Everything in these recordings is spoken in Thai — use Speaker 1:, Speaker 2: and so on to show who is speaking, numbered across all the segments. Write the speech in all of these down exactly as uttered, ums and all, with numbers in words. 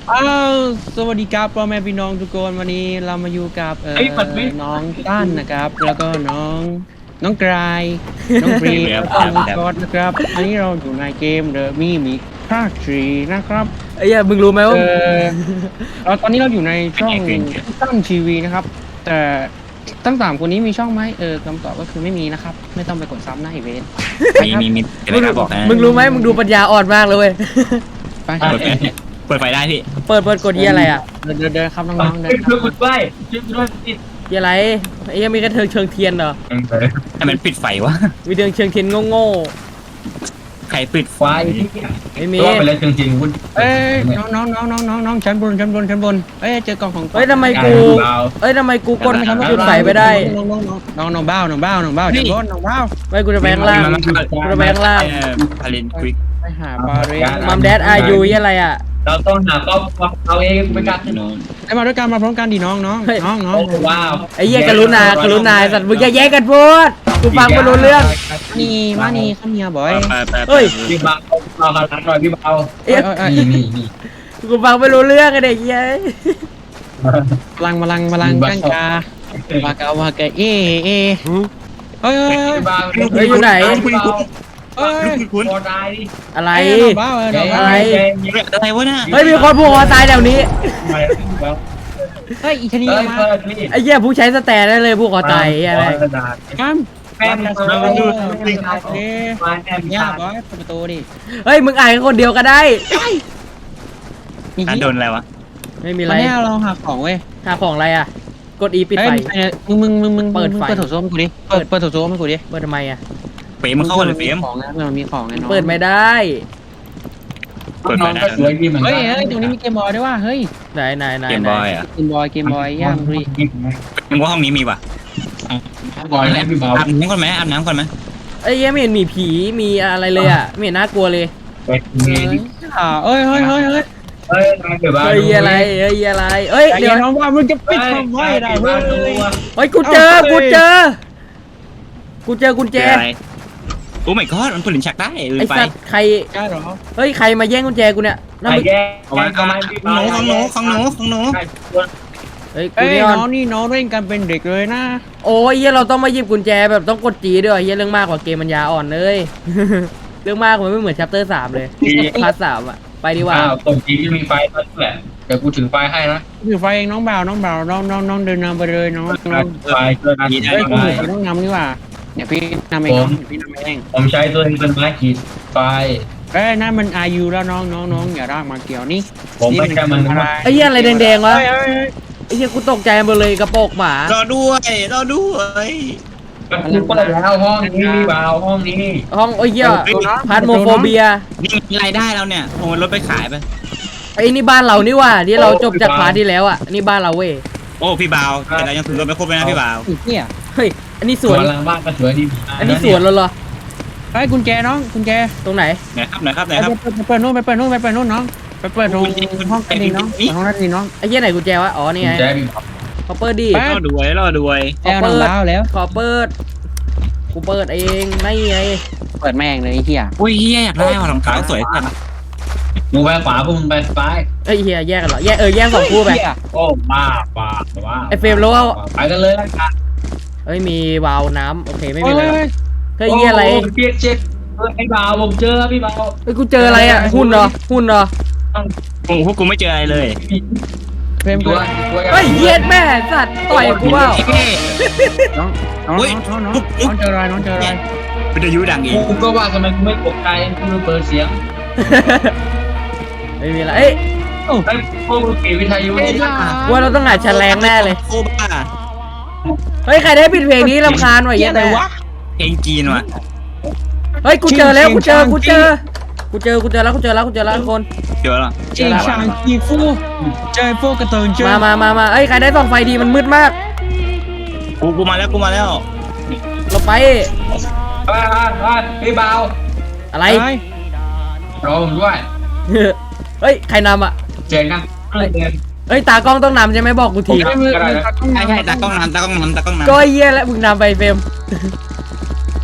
Speaker 1: อ้าวสวัสดีครับพ่อแม่พี่น้องทุกคนวันนี้เรามาอยู่กับเอ่อน้องต้านนะครับแล้วก็น้องน้องกรายน้องบรีแล้วก็น้องกอดนะครับอันนี้เราอยู่ในเกมเดอะมีมิภาคสี่นะครับ
Speaker 2: ไอ้เหี้ยมึงรู้ไหมว่า
Speaker 1: เออเราตอนนี้เราอยู่ในช่องต้านทีวีนะครับแต่ทั้งสามคนนี้มีช่องไหมเออคำตอบก็คือไม่มีนะครับไม่ต้องไปกดซ้ำหน้าอีเวนต์
Speaker 3: มีมีมีเดี๋ยว
Speaker 2: มึง
Speaker 3: ไม่บอกนะ
Speaker 2: มึงรู้ไหมมึงดูปัญญาอ่อนมากเลยเว้ย
Speaker 1: ไป
Speaker 3: เปิดไฟเปิดไฟได้พี่
Speaker 2: เปิดเปิดกดเหี้ยอะไรอ่ะ
Speaker 1: เดินเดินเดินครับน้องๆเดิน
Speaker 4: ช่วยคุณด้วยช่วยคุณด้วยปิด
Speaker 2: เหี้ยอะไรไอ้เหี้ยมีกระเทิงเชิงเทียนเหรอ
Speaker 3: ให้มันปิดไฟวะ
Speaker 2: มีเทิงเชิงเทียนโง่
Speaker 3: ใครปิดไฟ
Speaker 4: ไฟ
Speaker 2: ๆไม่มี
Speaker 4: ตัวไปแล้วจริงๆคุณ
Speaker 1: เอ้ยน้องน้องน้องน้องน้องน้องชั้นบนชั้นบนชั้นบนเอ้ยเจอกล่องของ
Speaker 2: เฮ้ยทำไมกูเอ้ยทำไมกูกดจุดไฟไม่ได้
Speaker 1: น้องน้องน้องน้องน้องเบ้าน้องเบ้าน้องเบ้าชั้นบนน้องเบ้า
Speaker 2: ไม่กูจะไปข้างล่างกูจะไปข้างล่าง
Speaker 3: พารินควิก
Speaker 1: ไปหาบาเรน
Speaker 2: มัมแดดอายุเหี้ยอะไรอ่ะ
Speaker 4: เราต้องหาครอบครัวเราเองไม่กล้าถนน
Speaker 1: ไอ้มาด้วยกันมาพร้อมกันดิน้องน้องน้องน้อง
Speaker 4: โอ้ว้าว
Speaker 2: ไอ้เหี้ยกรุณากรุณาสัตว์มึงอย่าแย่งกันพูดกูฟังไม่รู้เรื่อง
Speaker 1: นี่มานี่ข้าเมียบ่อย
Speaker 2: เฮ้ย
Speaker 4: พี่เบาเราขนาดหน่อยพี่เบา
Speaker 1: เอ้ยเอ้ย
Speaker 4: นี่นี่นี่
Speaker 2: กูฟังไม่รู้เรื่องไอ้เด็กเหี้ย
Speaker 1: พลังพลังพลังกังกาวากาวากาเอเอเฮ้ยเฮ้ยเฮ้ย
Speaker 4: พี่เบา
Speaker 2: เฮ้ยอยู่ไหน
Speaker 1: เฮ้ย
Speaker 3: คุณ
Speaker 4: โคตรได้ดิ
Speaker 2: อะไร
Speaker 1: น้องเบ้าเออน้อง
Speaker 2: อะไร
Speaker 3: อะไรวะน่ะ
Speaker 2: เฮ้ยมีคนผูกคอตายแถวนี้
Speaker 1: เฮ้ยอีชนี
Speaker 4: เฮ้ย
Speaker 1: มา
Speaker 4: เปิดนี่
Speaker 2: ไอ้เหี้ยผู้ใช้สแตนได้เลยผูกคอตายไอ้อะไร
Speaker 1: ข้าม
Speaker 4: แม่มัน
Speaker 1: มา
Speaker 4: มาดู
Speaker 1: เอ๊ะ
Speaker 4: มาแอม
Speaker 1: ย่า
Speaker 4: ยา
Speaker 1: บอยเปิดประตูดิ
Speaker 2: เฮ้ยมึงอ่านคนเดียวก็ได้
Speaker 1: มี
Speaker 3: อ่ะโดนอะไรวะ
Speaker 2: ไม่มี
Speaker 1: อะ
Speaker 2: อะไร ไร
Speaker 1: เราหาของเว้ย
Speaker 2: หาของอะไรอ่ะ กด E ปิดไฟ
Speaker 1: มึงมึงมึงมึง
Speaker 2: เปิดไฟ
Speaker 1: เปิดโถส้วมกูดิเปิดเปิดโถส้วมให้กูดิ
Speaker 2: เปิดทำไมอ่ะ
Speaker 3: เฟรมมันเข้ากันเลยเฟรม
Speaker 1: ของนะมันมีของไงน้อง
Speaker 2: เปิดไม่ได้
Speaker 3: เปิดไฟ
Speaker 4: น้อง
Speaker 3: ได้
Speaker 4: ก็สวยดีเหมือนกั
Speaker 1: เฮ้ยเฮ้ยตรงนี้มีเกมบอยด้วยว่ะเฮ้ย
Speaker 2: ไหนไหนไหน
Speaker 3: เกม
Speaker 2: ไหน
Speaker 3: บอยอ่ะ
Speaker 1: เกมบอยเกมบอยย่ามรี
Speaker 3: มึงว่าห้องนี้มีป่ะ
Speaker 4: บอยแล้วพี่เบา
Speaker 3: อาบน้ำก่อนไหมอาบน้ำก่อนไหม
Speaker 2: ไอ้เหี้ยไม่เห็นมีผีมีอะไรเลยอ่ะไม่เห็นน่ากลัวเลย
Speaker 4: เปิด
Speaker 1: เฮ้ยอ่าเอ้ยเฮ้ยเฮ้ยเฮ้ย
Speaker 4: เฮ้ยเดี๋ยวบ้า
Speaker 2: เฮ้ยอะไรเฮ้ยอะไรเฮ้ย
Speaker 1: เดี๋
Speaker 2: เดี๋
Speaker 1: ย
Speaker 2: ยว ว
Speaker 1: น้องว่ามึงจะปิดทำไมได้เว้ย
Speaker 2: เฮ้ยกูเจอกูเจอกูเจอกุญ
Speaker 3: เจ
Speaker 2: แจ
Speaker 3: ออะไรโอ้ my god มันผลิตฉากได้ลื
Speaker 2: ไอ้
Speaker 3: มไป
Speaker 2: สัตว์ใคร
Speaker 1: กล้าหรอ
Speaker 2: เฮ้ยใครมาแย่งกุญแจกูเนี่ยนั่น
Speaker 4: ไอ้
Speaker 2: มึง
Speaker 4: แย่
Speaker 3: เอาไว้เอาไว้ของหนูของหนูของหนูของหนู
Speaker 2: เฮ้ยกู
Speaker 1: เอ้ย
Speaker 2: นี่ออน
Speaker 1: น้องนี่น้องเล่นกันเป็นเด็กเลยนะ
Speaker 2: โอ้ยเหี้ยเราต้องมาหยิบกุญแจแบบต้องกดจีด้วยเหี้ยเรื่องมากกว่าเกมมันยาอ่อนเลย เรื่องมากมันไม่เหมือนชัปเตอร์สามเลยพาร์ทสามอ่ะไปดีกว่า
Speaker 4: อ้าวตรงจีที่มีไฟนั่นแหละเดี๋ยวกูถือไฟให้นะ
Speaker 1: ถือไฟเองน้องบ่าวน้องบ่าวน้องน้องน้องเดินนำไปเลยน้องน้อง
Speaker 4: ไฟช่วยนะ
Speaker 1: เฮ้ยคุณถือต้องนำนี่ว่าเดี๋ยวพี่นำเองน้องเดี๋ยวพี่นำเอง
Speaker 4: ผมใช้ตัวเองเป็นไม้ขีดไฟ
Speaker 1: เอ้ยนั่นมันอายุแล้วน้องน้องน้องอย่ารากมาเกี่ยวนี่
Speaker 4: ผมไม่ใช่มันนะ
Speaker 2: ไอ้เหี้ยอะไรแดงๆวะ
Speaker 1: เฮ้ยเฮ้ยเฮ้ย
Speaker 2: ไอ้เหี้ยกูตกใจหมดเลยกระโปรงหมาร
Speaker 3: อด้วยรอด้วย
Speaker 4: มันคือเปิดแล้วห้องนี้พี่บ่าวห้องนี้
Speaker 2: ห้องไอ้เหี้ยพาร์ทโมโฟเบีย
Speaker 3: นี่มีรายได้แล้วเนี่ยโอ้รถไปขายไป
Speaker 2: ไอ้นี่บ้านเรานี่ว่าที่เราจบจากพาร์ทที่แล้วอ่ะนี่บ้านเราเว้ย
Speaker 3: โอ้พี่บ่าวแต่เรายังถือรถไม่ครบเลยนะพี่บ่าว
Speaker 1: ไอ้เหี้ย
Speaker 2: เฮ้ยอันนี้ส
Speaker 4: ส
Speaker 2: ว
Speaker 4: วน นหลังบ้านก็สวยดี
Speaker 2: อันนี้สวนเราเหรอ
Speaker 1: เฮ้ยกุญแจน้องกุญแจ
Speaker 2: ตรงไหน
Speaker 3: ไหนครับไหนครับไหน
Speaker 1: ไป
Speaker 3: ครับ
Speaker 1: ไปเปิดนู่นไปเปิดนู่นไปเปิดนู่นน้องไปเปิดตรงห้องกันดิน้องห้องนั้นดิน้อง
Speaker 2: ไอ้เหี้ยไหนกุญแจวะอ๋อนี่ไง
Speaker 4: แจ๊พี่บ่าว
Speaker 2: ขอเปิดดิ
Speaker 1: ไป
Speaker 3: รอด้วยรอด้วย
Speaker 1: แอลน้องบ้าวแล้ว
Speaker 2: ขอเปิดกูเปิดเองไม่ไง
Speaker 1: เปิดแม่งเลยไอ้เหี้ย
Speaker 3: อุ้ยเฮียอยากได้ว่ะรองเท้าสวยจัง
Speaker 4: มึงไปขวาพวกมึงไปซ้าย
Speaker 2: ไอ้เหี้ยแยกกันเหรอแยกเออแยกสองคู่ไป
Speaker 1: เหี้ย
Speaker 4: โอ้บ้าบ้าบ้า
Speaker 2: ไอ้เฟรมรู้ว่า
Speaker 4: ไปกันเลยละกัน
Speaker 2: เฮ้ยมีวาล์วน้ำโอเคไม่
Speaker 1: เฮ้
Speaker 2: มี
Speaker 1: ย
Speaker 2: อะไรหรอก
Speaker 1: เฮ้ย
Speaker 2: เฮ้ยเหี้ยอะไร
Speaker 4: เปียกเช็ดไอ้บ่าวผมเจอพี่บ่าว
Speaker 2: เฮ้ยกูเจออะไรอ่ะหุ่นเหรอหุ่นเหรอ
Speaker 3: โอ้พวกกูไม่เจออะไรเลย
Speaker 1: เฟรม
Speaker 4: ตั
Speaker 1: ตัว ว
Speaker 2: เฮ้ยเหี้ยแม่สัตว์ต่อยกูเปล่า
Speaker 1: น้องน้องน้องน้องน้องเจออะไรน้องเจออะไร
Speaker 3: วิทยุดังอีก
Speaker 4: กูก็ว่าทำไมกูไม่ตกใจกูเปิดเสียง
Speaker 2: ไม่มีอะไรเอ้ย
Speaker 4: ไอ้พวกมึงเก็บวิทยุนี่
Speaker 2: ว่าเราต้องหาแฉลงแน่เลย
Speaker 3: โคบ้า
Speaker 2: เฮ้ยใครได้ปิดเพลงนี้รำคาญว่ะ
Speaker 1: เหี้
Speaker 2: เหี้
Speaker 1: ย
Speaker 2: ย
Speaker 1: อะไร
Speaker 2: แม่
Speaker 1: วะ
Speaker 3: เพลงจีนว่ะ
Speaker 2: เฮ้ยกูเจอแล้วกูเจอกูเจอกูเจอกูเจอแล้วกูเจอแล้วกูเจอแล้วทุกคน
Speaker 3: เจอแล้ว
Speaker 1: จริงช่างกีฟูเจอพวกกระเตินเจอ
Speaker 2: มามามามาเอ้ยใครได้ส่องไฟดีมันมืดมาก
Speaker 3: กูกูมาแล้วกูมาแล้ว
Speaker 2: เราไป
Speaker 4: บ้านบ้านบ้านพี่บ่าว
Speaker 2: อะไร
Speaker 4: รอผมด้วย
Speaker 2: เฮ้ยใครนำอ่ะ
Speaker 4: เจอกันเดิน
Speaker 2: เฮ้ยตากล้องต้องนำใช่ไหมบอกกูที
Speaker 3: ใช่ใช่ตากล้องน้ำตากล้องน้ำตากล้องน้ำ
Speaker 2: ก็เยี่ยแล้วมึงนำไปเฟรม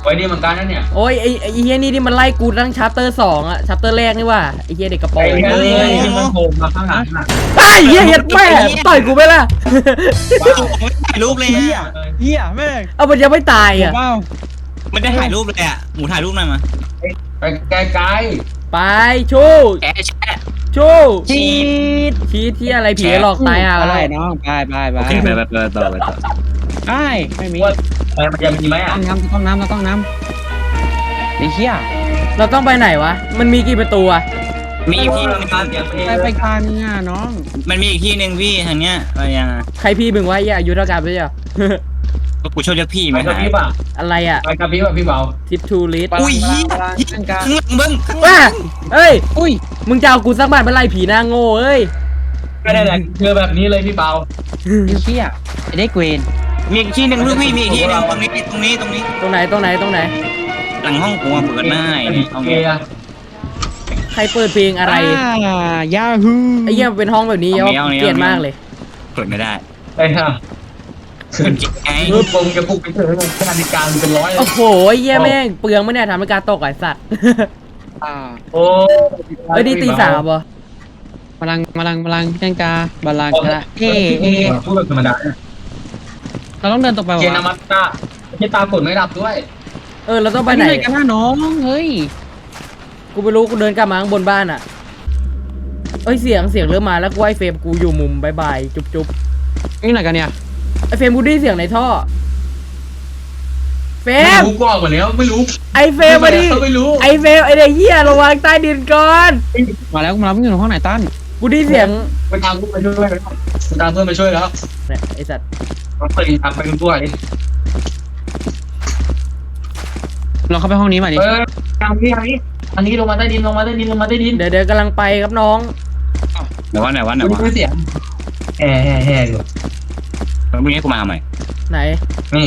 Speaker 4: ไว้ดีเหมือนกันนะเนี่ย
Speaker 2: โอ้ยไอ้ไอ้เฮียนี่ที่มันไล่กูตั้งชาร์เตอร์สองอะชาร์เตอร์แรกนี่ว่าไอ้เฮียเด็กกระโปร
Speaker 4: ไอ้
Speaker 2: ง
Speaker 4: แค่นี้ที่มันโผล่มาข้างหลังน่ะ
Speaker 2: ไอ้เฮียเฮียแม่ต่อยกูไปละ
Speaker 3: ไม่ถ่ายรูปเลย
Speaker 1: เฮีย
Speaker 3: อ่ะ
Speaker 1: เฮียแม่ง
Speaker 2: เอามันยังไม่ตายอะ
Speaker 1: ว้าว
Speaker 3: ไม่ได้ถ่ายรูปเลยอ่ะหมูถ่ายรูปหน่อยมา
Speaker 4: ไปไกล
Speaker 2: ไปชู้
Speaker 3: แกะแชะ
Speaker 2: ชู้
Speaker 1: จีด
Speaker 2: ชี้ที่อะไรผีหลอกตายอ่ะ
Speaker 1: ไปน้องไปไปไป
Speaker 3: โอเคไปไปไปต่อไปต่อ
Speaker 1: ไปไม่มี
Speaker 4: ๆว่าเออมันจะมีไหมอ่ะ
Speaker 1: ต้องน้ำต้องน้ำต้องน้ำไอ้เฮีย
Speaker 2: เราต้องไปไหนวะมันมีกี่ประตูอะ
Speaker 3: มีอีกที่นึง
Speaker 1: ไปไปกลางเนี่ยน้อง
Speaker 3: มันมีอีกที่หนึ่งพี่ทางเนี้ยอะไรยังไง
Speaker 2: ใครพี่มึงวะเฮียอายุเท่ากันไปเจ้า
Speaker 3: ก็กูชอบเรียกพี่
Speaker 4: ไป
Speaker 3: ไม่
Speaker 4: กับ
Speaker 3: หาย
Speaker 4: พี่ป่ะ
Speaker 2: อะไรอะ
Speaker 4: ไปกับพี่ป่ะพี่เบา
Speaker 2: ทิปทูลิส
Speaker 3: อุ้ย
Speaker 1: พลังพลัง
Speaker 3: ข้า
Speaker 1: ข้างกลาง
Speaker 3: งหลังเบิ้งข้างหลั
Speaker 2: ว้าง เอ้ย
Speaker 1: อุ้ย
Speaker 2: มึงจะเอากูสักบาทไปไล่ผีหน้าโง่เอ้ย
Speaker 4: ไม่ได้แหละเจอแบบนี้เลยพี่เบา
Speaker 1: ไอ้เฮียไอ้เด็กเวน
Speaker 3: มีอีกที่หนึ่งลูกพี่มีอีกที่หนึ่งตรงนี้ตรงนี้ตรงนี้
Speaker 2: ตรงไหนตรงไหนตรงไหน
Speaker 3: หลังห้องกูเปิดหน้าไอ้นี่
Speaker 4: โอ
Speaker 3: เอา
Speaker 4: เค
Speaker 3: งี้
Speaker 4: อะ
Speaker 2: ใครเปิดเพลงอะไร
Speaker 1: ยาฮู
Speaker 2: ไอ้เหี้ยเป็นห้องแบบนี้เกลียดมากเลย
Speaker 3: เปิดไม่ได้
Speaker 4: ไอ้ห่า
Speaker 3: มันจิกไง
Speaker 4: มือปงจะปลุกไปเถอะนาฬิกาเป็นร้อย
Speaker 2: โอ้โหไอ้เหี้ยแม่งเปลืองไม่เนี่ยทำให้การตกไอ้สัตว์
Speaker 1: อ่า
Speaker 4: โอ้
Speaker 2: เฮ้ยนี่ตีสามบ่
Speaker 1: พลังพลังพลังจังกาบาลังกาเอเอ
Speaker 4: พูดแบบธรรมดา
Speaker 1: เราต้องเดินต่อไป
Speaker 4: เจ
Speaker 1: วะ
Speaker 4: นามัตตาที่ตาฝนไม่ดับด้วย
Speaker 2: เออเราต้อง
Speaker 1: ไป
Speaker 2: ไป
Speaker 1: ไห
Speaker 2: ไห
Speaker 1: น
Speaker 2: น
Speaker 1: กันนะน้องเฮ้ย
Speaker 2: กูไม่รู้กูเดินกลับมาข้างบนบ้านอ่ะเอ้ยเสียงเสียงเริ่มมาแล้วกูไอ้เฟรมกูอยู่มุมบายบายจุ๊บจุ๊บ
Speaker 1: นี่ไหนกันเนี่ย
Speaker 2: ไอ้เฟรมกูได้ยินเสียงในท่อเฟร
Speaker 4: ไม่
Speaker 2: ม
Speaker 4: รู้กว่าหมดแล้วไม่รู้
Speaker 2: ไอ้เฟรมมาดิ
Speaker 4: ไม่รู้
Speaker 2: ไอ้เฟรมไอ้เด็กเหี้ยระวังใต้ดินก่อน
Speaker 1: มาแล้วมาแล้วมึงอยู่ห้องไหนตั้น
Speaker 2: กูได้ยินเสียง
Speaker 4: ไปตามเพื่อนไปช่วยแล้วไปตามเพื่อนไปช่วยแล้ว
Speaker 2: เนี่ยไอ้สัตว์
Speaker 4: ไปตามไปกันด้วย
Speaker 1: ลองเข้าไปห้องนี้มาดิ
Speaker 4: เออตามพี่อันนี้อันนี้ลงมาใต้ดินลงมาใต้ดินลงมาใต้ดิน
Speaker 2: เดี๋ยวเดี๋ยวกำลังไปครับน้อง
Speaker 3: ไหนวะไหนวะไหน
Speaker 4: ดู
Speaker 3: วะ
Speaker 4: เสียงแห่แห่แห่อยู่
Speaker 3: แล้วมึงให้กูมาทำไม
Speaker 2: ไหน
Speaker 4: นี่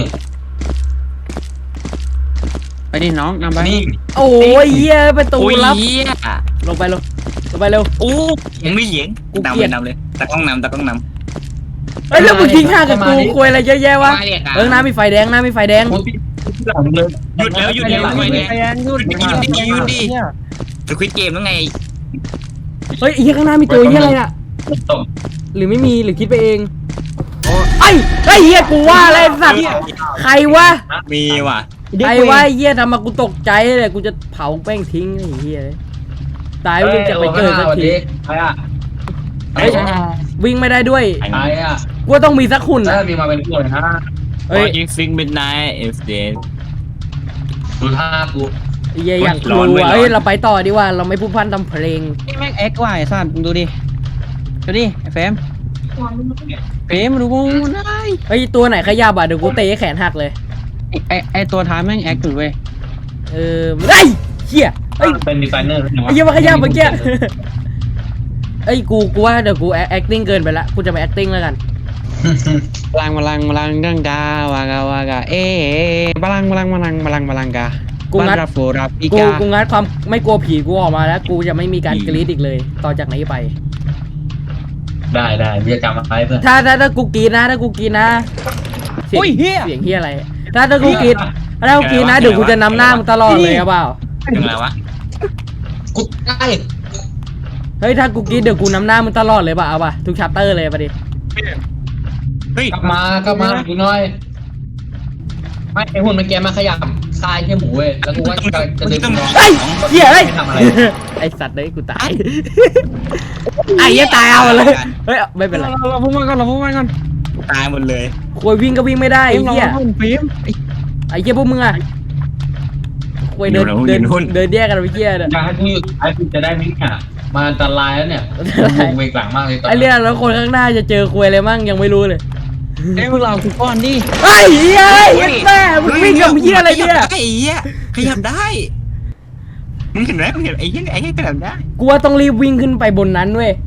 Speaker 1: ไปดิน้องนำไป
Speaker 4: นี่
Speaker 2: โอ้ยเหี้ยประตู
Speaker 3: อุ้ย
Speaker 2: ลับ
Speaker 3: เหี้ย
Speaker 2: ลงไปลงลงไปเร็ว
Speaker 3: อู้ยังไม่เหยียง
Speaker 2: กู
Speaker 3: นำ
Speaker 2: เกลี
Speaker 3: เลย ย
Speaker 2: ด
Speaker 3: นำเลยตะกล้องนำตะกล้องน
Speaker 2: เอ้ยแล้วมึงทิ้งห่างกับกูคุยอะไรเยอะแยะ
Speaker 3: ำ
Speaker 2: วะ
Speaker 3: มาเรียกอ่ะ
Speaker 2: เออน้ำมีไฟแดงน้ำมีไฟแดง
Speaker 4: กูติดหลังเลย
Speaker 3: หยุดแล้วหยุดแล้วทำไมเนี่ย
Speaker 1: ไปแอนยุด
Speaker 3: สควิตเกมแล้วไง
Speaker 2: เฮ้ยไอ้เหี้ยข้างหน้ามีตัวเหี้ยอะไรน่ะ
Speaker 4: ตก
Speaker 2: หรือไม่มีหรือคิดไปเองไอ้ไอ้เหี้ยกูว่าอะไรสัตว์ใครวะ
Speaker 3: มีว่ะ
Speaker 2: ใครวะไอ้เหี้ยทำมากูตกใจเลยกูจะเผาแป้งทิ้งไอ้เหี้ยตายวิ่งจะไปเกิดสักที
Speaker 4: ใครอ่ะ
Speaker 2: เฮ้ยวิ่งไม่ได้ด้วย
Speaker 4: ใครอ่ะ
Speaker 2: กูว่าต้องมีสักหุ่น
Speaker 4: ถ้า
Speaker 2: นะ
Speaker 4: มีมาเป็นตัวนะ
Speaker 2: เฮ้ย
Speaker 3: ยิงฟิงมิดไนท์เอฟเดน
Speaker 4: ดูท่ากู
Speaker 2: ไอ้เหี้ยอยากก
Speaker 3: ร้
Speaker 2: ลั
Speaker 3: อนเว้
Speaker 2: วย
Speaker 3: ร้อน
Speaker 2: เฮ้ยเราไปต่อดีกว่าเราไม่พูดพร่ำทำเพลง
Speaker 1: นี่แม่งเอ็กซ์ว่ะไอ้สัตว์มึงดูดิดูดิไอ้เฟรมเฟรมดูกูได้
Speaker 2: เฮ้ยตัวไหนขยับอ่ะเดี๋ยวกูเตะให้แขนหักเลย
Speaker 1: ไอ้ไอ้ตัวท้ายแม่งแอคอยู่เว้ย
Speaker 2: เออไอ้ยเหี้ยเอ้ย
Speaker 4: เป็นดีไซเนอร์
Speaker 2: ไอ้เหี้ยมาขยับเมื่อกี้เอ้ยกูกูว่าเดี๋ยวกู acting เกินไปละกูจะไป acting แล้วกัน
Speaker 1: พลังพลังพลังดังกาวากาวากาเอ๊พลังพลังพลังพลังพลังกา
Speaker 2: กูงัด
Speaker 1: รับโฟรับอี
Speaker 2: กู
Speaker 1: กา
Speaker 2: กูงัดความไม่กลัวผีกูออกมาแล้ว กูจะไม่มีการกรีดอีกเลย ต่อจากนี้ไป
Speaker 4: ได้ได้พี่จะจำมาไว้เพื่อน
Speaker 2: ถ้าถ้าถ้ากูกรีดนะถ้ากูกรีดนะเสียง
Speaker 1: อุ้ยเฮีย
Speaker 2: เสียงเฮียอะไร ถ้าถ้ากูกรีดถ้ากูกรีดนะเดี๋ยวกูจะนำหน้ามึงตลอดเลยครับเปล่า
Speaker 3: ยังไงวะ
Speaker 4: กูได้
Speaker 2: เฮ้ยถ้ากูกรีดเดี๋ยวกูนำหน้ามึงตลอดเลยเปล่าเอาป่ะทุกชัปเตอร์เลยป่ะดิ
Speaker 3: เฮ้ย
Speaker 4: กลับมากลับมาอีกหน่อยไม่ไอหุ่นมันแกมาขยับคลายแค่หมูเว้ยแล้วกูว่าจะจะดึงน้อง
Speaker 2: เฮ้ยเฮียเฮ้ย
Speaker 4: ไม่ทำอะไร
Speaker 2: ไอสัตว์เลยกูตายไอ้เหี้ยตายเอาเลยเฮ้ยไม่เป็นไร
Speaker 1: เราเราพูดมาก่อนเราพูดมาก่อน
Speaker 3: ตายหมดเลย
Speaker 2: ควยวิ่งก็วิ่งไม่ได้
Speaker 1: ไอ้
Speaker 2: ไอ้
Speaker 1: เรา
Speaker 2: เหี้ย
Speaker 1: เราฟิล์ม
Speaker 2: ไอ้เหี้ยพวกมึงอะควยเดินเดินเดินแยกกันไปเหี้ยเนี่ย
Speaker 4: อยากให้กูหยุดไอ้กูจะได้ไหมเนี่ยมาอันตรายแล้วเนี่ยกูเวกหลังมากเลยตอน
Speaker 2: ไอ้เรื่องแล้วคนข้างหน้าจะเจอควยอะไรมั่งยังไม่รู้เลย
Speaker 1: ไอ้พวกเราคือก้อนดิ
Speaker 2: ไอ้เหี้ยไอ้แม่มึงวิ่งกับเหี้ยอะไรเนี่ย
Speaker 3: ไอ้เหี้ยขยับได้มึงเห็นไหมมึงเห็นไอ้เหี้ยไอ้เหี้ยขยับได้
Speaker 2: กูว่าต้องรีบวิ่งขึ้นไปบนนั้นเว้ย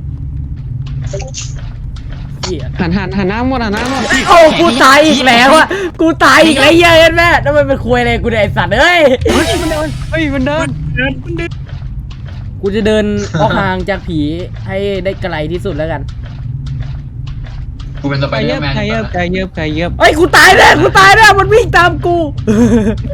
Speaker 2: เหี้ย
Speaker 1: หันหันหันหน้าหมดหันหน้าหมด
Speaker 2: โอ้กูตายอีกแล้วอะกูตายอีกแล้วเหี้ยเห็นแม่แล้วมันเป็นควยอะไรกูเนี่ยไอ้สัตว์เอ้ย
Speaker 1: เฮ้ยมันเดินเฮ้ยมันเดิน
Speaker 3: เดินมันเดิน
Speaker 2: กูจะเดินออกห่างจากผีให้ได้ไกลที่สุดแล้วกัน
Speaker 4: กูเป็นสไป
Speaker 1: ไก่
Speaker 4: เดอ
Speaker 1: เยิบ
Speaker 4: ร์แมน
Speaker 1: ไก่เยิบไก่เยิบไก่เยิบ
Speaker 2: เอ้ยกูตายแน่กูตายแน่มันวิ่งตามกู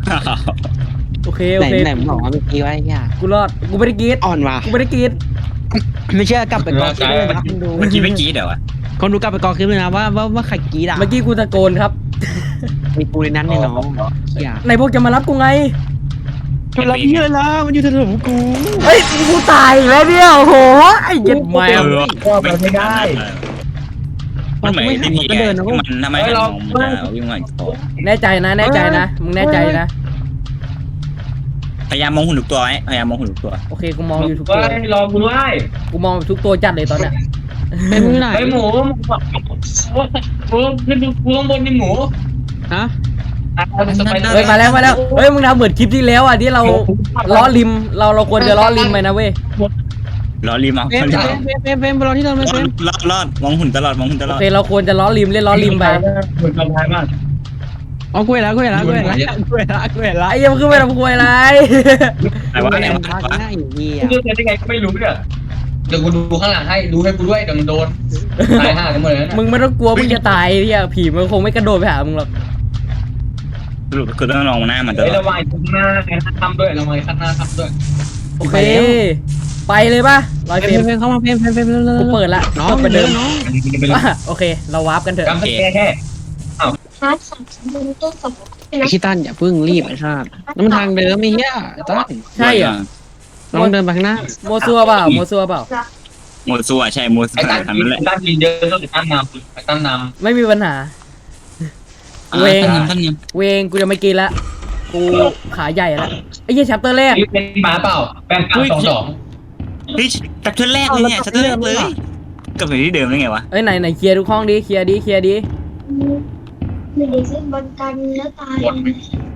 Speaker 2: โอเค
Speaker 1: ไห
Speaker 2: โอน เค
Speaker 1: ไหนมึงบอกว่าเมื่อกี้ว่าไอ้เหี้ย
Speaker 2: กูรอดกูไม่ได้กรีด
Speaker 1: อ่อนว่ะ
Speaker 2: กูไม่ได้กรีด
Speaker 1: ไม่เชื่อกลับไปกองคลิปเลยนะคนดู
Speaker 3: เมื่อกี้ไม่กี้เดี๋ยวอะ
Speaker 1: คนดูกลับไปกองคลิปเลยนะว่าว่าว่าใครกรีดอ่ะ
Speaker 2: เมื่อกี้กูตะโกนครับ
Speaker 1: มีกูในนั้นเนี่ยน้องเหี้ย
Speaker 2: ไหนพวกจะมารับกูไง
Speaker 1: มันรับพี่เลยล่ะมันอยู่ถนนกู
Speaker 2: เฮ้ยกูตายอีกแล้วเนี่ยโอ้โหไอ้เหี้ย็ดแมว
Speaker 4: ก็ไปไม่ได้
Speaker 3: มันเหมือน
Speaker 1: ไม่
Speaker 3: ไอ้
Speaker 1: หัน
Speaker 3: นี่
Speaker 1: ก็เดินนะ
Speaker 3: มันทำไมหันมองมันจะวิ่งมาคอ
Speaker 2: แน่ใจนะแน่ใจนะมึงแน่ใจนะ
Speaker 3: พยายามมองหุ่นทุกตัวไว้พยายามมองหุ่นทุกตัว
Speaker 2: โอเคกูมองอยู่ทุก
Speaker 4: เฮ้
Speaker 2: ตัวย
Speaker 4: รอกูด้วย
Speaker 2: กูมองทุกตัวจัดเลยตอนเนี้ย
Speaker 1: เป็นมือไหน
Speaker 4: ไอ้หมูหมูขึ้นกูข้างบนนี่หมู
Speaker 1: ฮะ
Speaker 2: เฮ้ยมาแล้วมาแล้วเฮ้ยมึงทำเหมือนคลิปที่แล้วอ่ะที่เราล้อริมเราเราควรจะล้อริมไปนะเว้ย
Speaker 3: รอรีมเอา
Speaker 1: เฟมเฟมเฟมเฟมเฟมไปรอที่เดิมเลยเฟม
Speaker 3: รอดรอดมองหุ่นตลอดมองหุ่นตล
Speaker 2: โอ
Speaker 3: อด
Speaker 2: เคเราควรจะล้อริมเล่นล้อริมไป
Speaker 4: เหมือนกันท้ายมาก
Speaker 1: อ๋อกูเห็นแล้วกูเห็นแล้วกูเห็นแล้วกูเห็นแล้วกูเห็นแล้ว
Speaker 2: ไอ้เหี้ยังขึ้นไปทำควยอะไร
Speaker 3: แต่ว่า
Speaker 1: กู
Speaker 3: อะไร
Speaker 1: เห็น
Speaker 3: วะ
Speaker 1: พักหน้าอยู่ดี
Speaker 4: กู
Speaker 1: อ่ะ
Speaker 4: จะได้ไงก็ไม่รู้เนี่ยเดี๋ยวกูดูข้างหลังให้ดูให้กูด้วยเดี๋ยวมันโดนตายห่ากันหมดเลยนะ
Speaker 2: มึงไม่ต้องกลัวมึงจะตายเนี่ยผีมันคงไม่กระโดดไปหามึงหรอก
Speaker 3: สรุปคือต้องลองหน้ามันตล
Speaker 4: เฮ้ย
Speaker 3: อด
Speaker 4: ระวังข้างหน้าทำด้วยระวังข้างหน้าทำด้วย
Speaker 2: โอเคไปเลยป่ะร้อย
Speaker 1: เฟ
Speaker 2: เฟร
Speaker 1: ม
Speaker 2: ม
Speaker 1: เฟมเข้ามาเฟมเฟมเฟมเร็ว
Speaker 2: กูเปิดละ
Speaker 1: น้อง
Speaker 2: เปิดประ
Speaker 1: เดิ
Speaker 2: เดิ
Speaker 1: ม
Speaker 2: ม
Speaker 1: น้อง
Speaker 2: อ่ะโอเค เราวาร์ปกันเถอะ
Speaker 4: กำสแกแค่
Speaker 5: ฮาร์ดสามสมบูรณ์ต้นสมบูรณ์
Speaker 1: ไอ้ขี้ตั้นอย่าเพิ่งรีบไอ้ชาตินั่นมันทางเดิมไม่เหี้ยตั้น
Speaker 2: ใช่เหรอ
Speaker 1: น้องเดินไปข้างหน้า
Speaker 2: โมซัวเปล่าโมซัวเปล่า
Speaker 3: โมซัวใช่โมซั
Speaker 4: ไอ้
Speaker 3: ว
Speaker 4: ตั้น
Speaker 3: ทำนั่นแหละ
Speaker 4: ตั้นยินเยอะต้องตั้นนำไอ้ตั้นน
Speaker 2: ไม่มีปัญหา เวง
Speaker 3: ท่านท่านยัง
Speaker 2: เวงกูจะไม่กินละกูขาใหญ่ละไอ้เหี้ยแชปเตอร์แร
Speaker 4: ำ
Speaker 2: ก
Speaker 4: นี่เป็นหมาเปล่าแปดสองสอง
Speaker 3: เฮ้ยจากเทือนแรกเลยเนี่ยจากเทือนแรกเลยกลับไปที่เดิมได้ไงวะ
Speaker 2: เอ้ยไหนไหนเคลียร์ทุกห้องดิเคลียร์ดิเคลียร์ดิ
Speaker 5: ไม่ได้เส้นบอลกันแล้วตาย